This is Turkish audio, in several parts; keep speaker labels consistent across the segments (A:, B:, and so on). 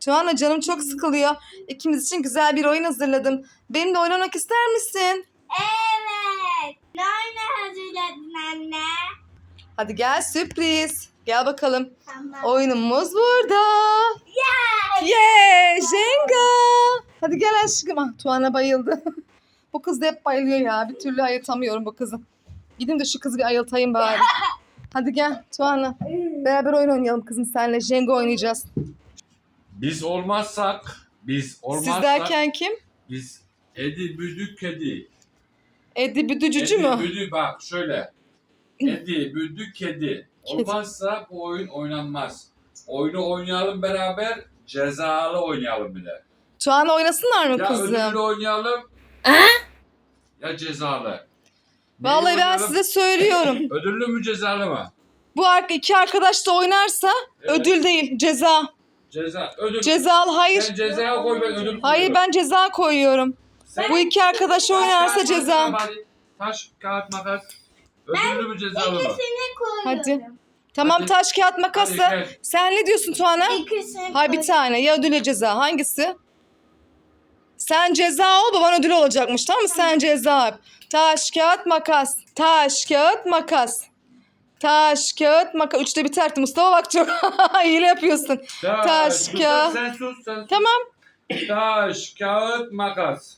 A: Tuana canım çok sıkılıyor. İkimiz için güzel bir oyun hazırladım. Benimle oynamak ister misin?
B: Evet. Ne oyunu hazırladın anne?
A: Hadi gel sürpriz. Gel bakalım.
B: Tamam.
A: Oyunumuz burada.
B: Yes.
A: Yeah, Jenga. Hadi gel aşkım. Ah, Tuana bayıldı. Bu kız da hep bayılıyor ya. Bir türlü ayıltamıyorum bu kızı. Gidin de şu kızı bir ayıltayım bari. Hadi gel Tuana. Beraber oyun oynayalım kızım seninle. Jenga oynayacağız.
C: Biz olmazsak,
A: Siz derken kim?
C: biz Edi Büdü Kedi.
A: Edi Büdücücü
C: Edi
A: mü?
C: Büdü bak şöyle. Edi Büdü Kedi. Olmazsa bu oyun oynanmaz. Oyunu oynayalım beraber, cezalı oynayalım bir de.
A: Tuana oynasınlar mı
C: Ya
A: kızım?
C: ödüllü oynayalım. Ya cezalı. Neyi
A: Vallahi ben
C: oynayalım?
A: size söylüyorum.
C: Ödüllü mü cezalı mı?
A: Bu iki arkadaş da oynarsa
C: Evet.
A: ödül değil ceza.
C: Ceza. Ödül.
A: Cezalı hayır.
C: Sen cezaya koy, ben ödül
A: Hayır
C: koyuyorum.
A: ben ceza koyuyorum.
C: Sen-
A: Bu iki arkadaş oynarsa
C: Taş, kağıt,
A: ceza.
C: makas, hadi. Taş, kağıt, makas. Ödüllü mü cezalı mı?
B: İkisini koyuyorum.
A: Hadi. Tamam
C: Hadi.
A: taş kağıt makası.
C: Hadi gel.
A: Sen ne diyorsun Tuana?
B: İkisini
A: Hayır bir tane ya ödül ya ceza. Hangisi? Sen ceza ol baban ödül olacakmış tamam mı? Sen ceza yap. Taş kağıt makas. Taş kağıt makas. Taş kağıt makas. Üçte biterdi Mustafa bak çok hile yapıyorsun. Taş,
C: sus,
A: kağıt.
C: Sen sus, sen sus.
A: Tamam.
C: Taş, kağıt, makas.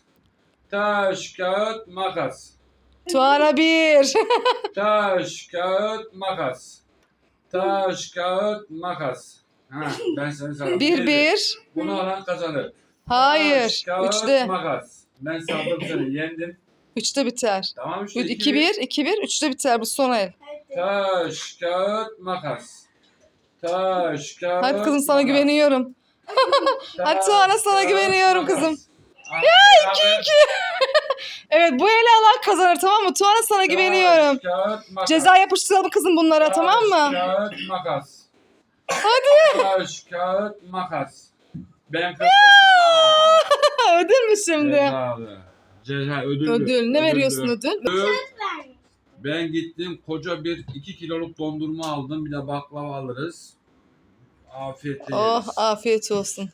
C: Taş, kağıt, makas.
A: Tuana bir.
C: Taş, kağıt, makas. Taş, kağıt, makas. Ha, ben seni sana.
A: Bir.
C: Bunu alan kazanır.
A: Hayır.
C: Taş, kağıt,
A: Üçte.
C: makas. Ben saldım seni, yendim.
A: Üçte biter.
C: Tamam işte.
A: 2-1. 2-1. Üçte biter bu son el.
C: Taş, kağıt, makas. Taş, kağıt,
A: Hadi kızım sana
C: makas.
A: güveniyorum. Hadi Tuana sana
C: Taş,
A: güveniyorum
C: kağıt,
A: kızım.
C: makas. Ya 2-2.
A: Evet bu eli Allah kazanır tamam mı? Tuana sana güveniyorum.
C: Kağıt, makas.
A: Ceza yapıştıralım kızım bunlara tamam mı?
C: Kağıt, makas.
A: Hadi.
C: Taş, kağıt, makas. Ben kazandım.
A: Ödül mü şimdi?
C: Cezalı. Ceza ödüllü.
A: Ödül. Ne veriyorsun
C: Ödüllü.
A: ödül?
C: Ben gittim koca bir 2 kiloluk dondurma aldım. Bir de baklava alırız. Afiyetle
A: Oh
C: yeriz.
A: afiyet olsun.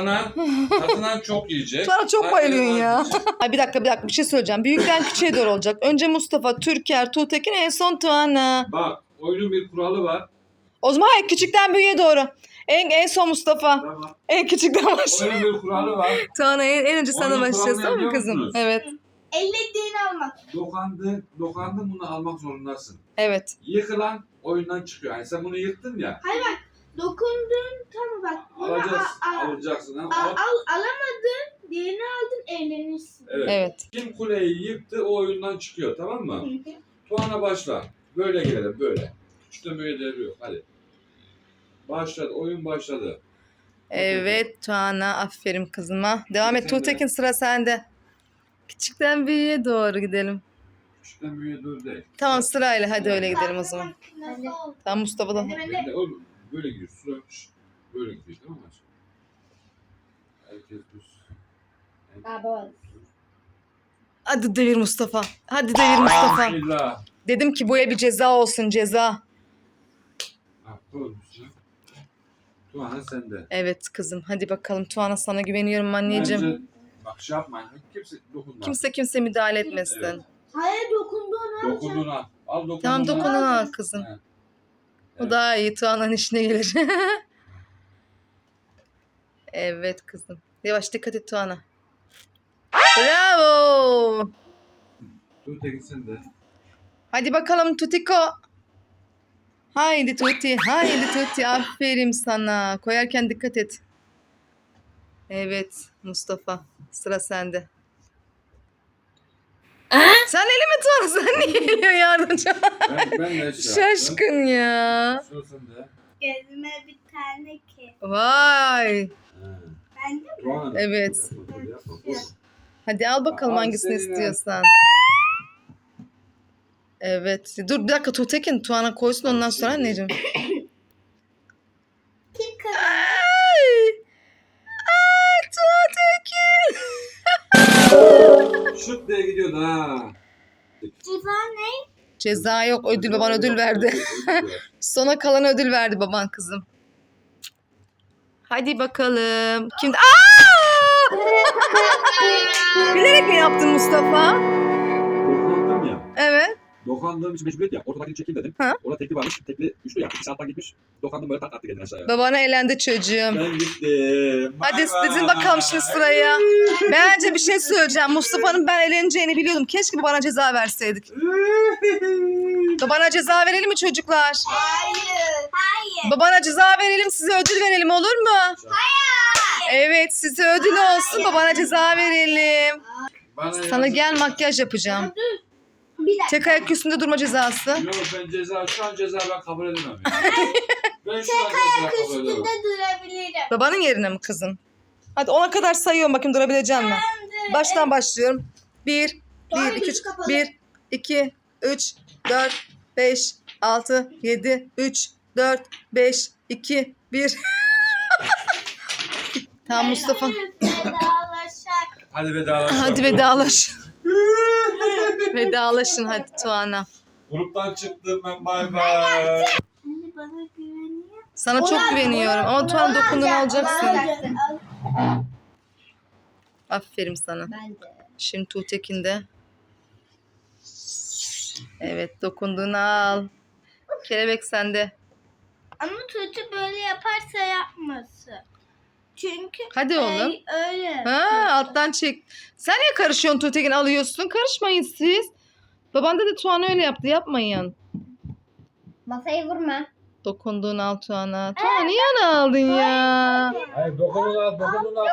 C: Kazanan çok yiyecek.
A: Tuana çok bayılıyorsun ya.
C: Kaybeden az
A: Ay bir dakika bir şey söyleyeceğim. Büyükten küçüğe doğru olacak. Önce Mustafa, Türker, Tuğtekin en son Tuana.
C: Bak oyunun bir kuralı var.
A: O zaman hayır küçükten büyüğe doğru. En son Mustafa.
C: Tamam.
A: En küçükten başla.
C: Oyunun bir kuralı var.
A: Tuana en önce sana
C: Oyunun
A: başlayacağız
C: kuralını
A: tamam mı
C: biliyor
A: kızım?
C: musunuz?
A: Evet.
B: Ellediğini almak.
C: Dokandın bunu almak zorundasın.
A: Evet.
C: Yıkılan oyundan çıkıyor. Yani sen bunu yıktın ya.
B: Hayır bak. Dokundun tamam bak. Bunu
C: Alacaksın.
B: alamadın. Diğerini aldın eğlenirsin.
C: Evet.
A: Evet.
C: Kim kuleyi yıktı o oyundan çıkıyor tamam mı? Tuana başla. Böyle gelelim böyle. Hiç de böyle devri yok. Hadi. Başladı. Oyun başladı.
A: Evet Tuana aferin kızıma. Devam et
C: Sen de.
A: Tuğtekin sıra sende. Küçükten büyüğe doğru gidelim.
C: Küçükten büyüğe dur değil.
A: Tamam sırayla hadi öyle gidelim o zaman.
B: Nasıl oldu?
A: Tamam Mustafa da.
B: Ben de.
C: Ben de oğlum böyle gidiyor. Sıra böyle gidiyor tamam mı? Herkes düz.
B: Baba.
A: Hadi devir Mustafa. Hadi devir Mustafa.
C: Bismillah.
A: Dedim ki bu bir ceza olsun ceza.
C: Ha, koy üstüne. Tuana sende.
A: Evet kızım hadi bakalım Tuana sana güveniyorum anneciğim.
C: Bence, bak şey yapmayın. Kimse dokunma.
A: Kimse müdahale etmesin.
C: Evet.
B: Hayır dokunduğunu
C: Dokunduğunu al. Al dokunduğunu
A: Tamam
C: al.
A: dokunun al kızım.
C: He.
A: O daha iyi Tuana'nın işine gelir. Evet kızım. Yavaş dikkat et Tuana. Bravo.
C: Dur Tekin sen de.
A: Hadi bakalım Tutiko. Haydi Tuti, haydi Tuti. Aferin sana. Koyarken dikkat et. Evet Mustafa. Sıra sende. Sen elimi tut. Sen niye geliyorsun yardımcı?
C: Ben de şey yaptım.
A: Şaşkın ya.
C: Sıra sende.
B: Gözüme bir tane ki.
A: Vay.
C: He.
B: Ben de mi?
C: Tuana.
A: Evet.
C: Yapma, böyle yapma. Koy.
A: Hadi al bakalım
C: Al
A: hangisini
C: seni.
A: istiyorsan. Evet. Dur bir dakika Tuğtekin. Tuana koysun ondan sonra anneciğim.
B: Kim kazandı?
A: Ay. Ay Tuğtekin.
C: Şut diye gidiyordu ha.
B: Ceza ne?
A: Ceza yok. Ödül baban ödül verdi. Sona kalan ödül verdi baban kızım. Hadi bakalım. Kimde? Aa! Bilerek mi yaptın Mustafa?
C: Dokandım ya.
A: Evet.
C: Dokandığım için mecburiyet ya. Ortadakini çekeyim dedim.
A: Ha?
C: Orada tekli varmış. Tekli üçlü ya. 2 saatten gitmiş. Dokandım böyle tak attı kendini aşağıya.
A: Babana elendi çocuğum.
C: Ben gittim.
A: Hadi
C: Bay bay.
A: dizin bakalım şimdi sıraya. Bence bir şey söyleyeceğim. Mustafa'nın ben eleneceğini biliyordum. Keşke babana ceza verseydik. Babana ceza verelim mi çocuklar?
B: Hayır. Hayır.
A: Babana ceza verelim, size ödül verelim, olur mu? Evet, size ödül olsun, babana ceza verelim.
C: Bana
A: Sana gel makyaj yapacağım.
B: Bir dakika.
A: Tek ayak üstünde durma cezası.
C: Yok ben şu an ceza ben kabul edemem. Yani. Ben şu an ceza kabul edemem.
B: Üstünde durabilirim.
A: Babanın yerine mi kızım? Hadi 10'a kadar sayıyorum bakayım durabilecek misin? Baştan başlıyorum. 1, 1, 2, 3, 1, 2, 3, 4, 5, 6, 7, 3, 4, 5, 2, 1. Tamam Mustafa.
B: Vedalaşak.
C: Hadi vedalaşalım.
A: Hadi vedalaş. Vedalaşın hadi Tuana.
C: Gruptan çıktım ben bay bay.
B: Anne bana güveniyor.
A: Sana çok güveniyorum ama Tuana dokunduğunu alacaksın. Aferin sana.
B: Ben de.
A: Şimdi Tuğtekin de. Evet dokunduğunu al. Kelebek sende.
B: Ama Tuğçe böyle yaparsa yapmasın. Çünkü
A: Hadi oğlum.
B: öyle.
A: Ha, alttan çek. Sen niye karışıyorsun Tuğtekin alıyorsun? Karışmayın siz. Baban da Tuana öyle yaptı. Yapmayın.
B: Masayı vurma.
A: Dokunduğunu al Tuana. Tuana niye onu aldın ya?
C: Hayır dokunun al.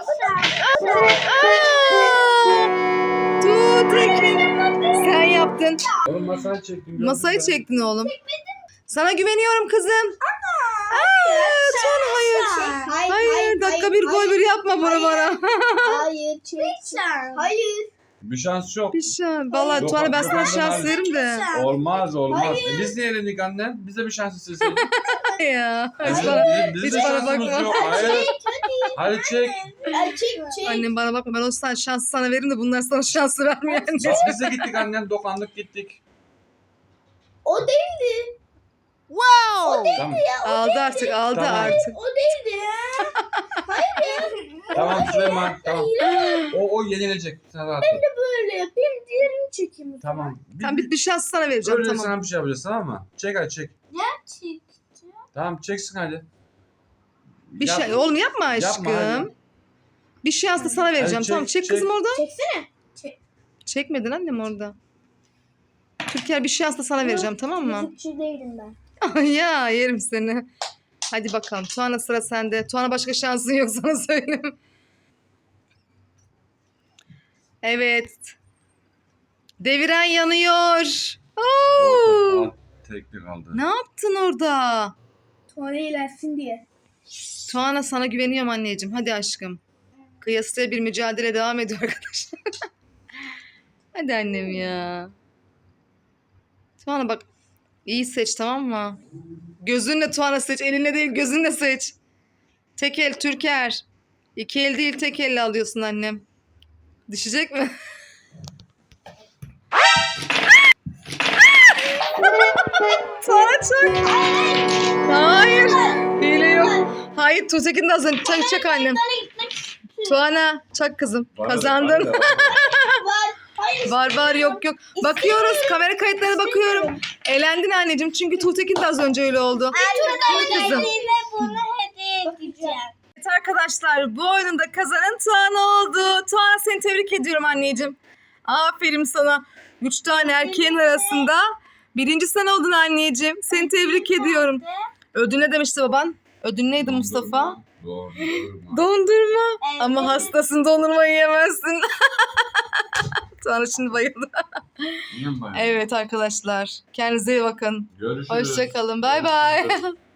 A: Tuğtekin. Sen yaptın.
C: Oğlum masayı çektim.
A: Masayı çektin oğlum. Sana güveniyorum kızım. Tuana hayır. Hayır, dakika bir gol bir yapma bunu bana.
B: Hayır, hayır.
C: Bir şans yok.
A: Bir şey. Vallahi
C: Yok,
A: Tuana ben sana
C: yok,
A: şans
C: yok.
A: veririm de.
C: Olmaz. Biz niye elendik anne? Bize bir şans isteseydin.
A: Ya. Hiç
C: Bizim-
A: bana,
C: bizim
A: hiç
C: de
A: bana
C: şansımız
A: bakma.
C: yok. Hayır. Hadi çek.
B: Çek.
A: Annem bana bakma, ben o şansı sana veririm de bunlar sana şansı vermiyor anne.
C: Bak biz de gittik annem. Dokandık gittik.
B: O değildi.
C: Tamam.
A: Aldı artık, aldı
C: Tamam.
A: artık.
B: O değildi ya.
C: Tamam Süleyman. Tamam. O yenilecek. Sen rahat ol.
B: Böyle yapayım, diğerini çekeyim.
C: Tamam.
A: Tamam bir şans sana vereceğim
C: Öyle
A: tamam.
C: sana bir şey yapacağız tamam mı? Çek hadi çek.
B: Çek.
C: Tamam çeksin hadi.
A: Bir
C: Yap.
A: şey oğlum yapma aşkım.
C: Yapma hadi.
A: Bir şans da sana vereceğim.
C: Hadi çek,
A: Tamam çek
C: çek.
A: kızım oradan.
B: Çeksene.
A: Çekmedin annem orada. Türker bir şans da sana vereceğim tamam mı?
B: Müzikçi değilim ben.
A: Ya yerim seni. Hadi bakalım. Tuana sıra sende. Tuana başka şansın yok sana söyleyeyim. Evet. Deviren yanıyor. Oo!
C: Aa, teknik aldı.
A: Ne yaptın orada?
B: Tuğla ilersin diye.
A: Tuana sana güveniyorum anneciğim. Hadi aşkım. Kıyasıya bir mücadele devam ediyor arkadaşlar. Hadi annem ya. Tuana bak. İyi seç tamam mı? Gözünle Tuana seç. Elinle değil gözünle seç. Tek el Türker. 2 el değil tek elle alıyorsun annem. Düşecek mi? Tuana çak. Hayır. Hile yok. Hayır Tuğtekin de az önce çak annem. Tuana çak kızım. Kazandın.
B: Var. Hayır.
A: Var yok. Bakıyoruz kamera kayıtlarına bakıyorum. Elendin anneciğim çünkü Tuğtekin de az önce öyle oldu.
B: Tuğla
A: Kızım.
B: bunu hediye edeceğim.
A: Evet arkadaşlar bu oyunun kazanan Tuana oldu. Tuana seni tebrik ediyorum anneciğim. Aferin sana. 3 tane erkeğin arasında birinci sen oldun anneciğim. Seni tebrik ediyorum. Ödül ne demişti baban? Ödül neydi Mustafa?
C: Dondurma.
A: Dondurma.
B: Evet.
A: Ama hastasın dondurma yiyemezsin. Tuana şimdi bayıldı.
C: Yiyeyim ben.
A: Evet arkadaşlar. Kendinize iyi bakın.
C: Görüşürüz.
A: Hoşçakalın. Bay bay.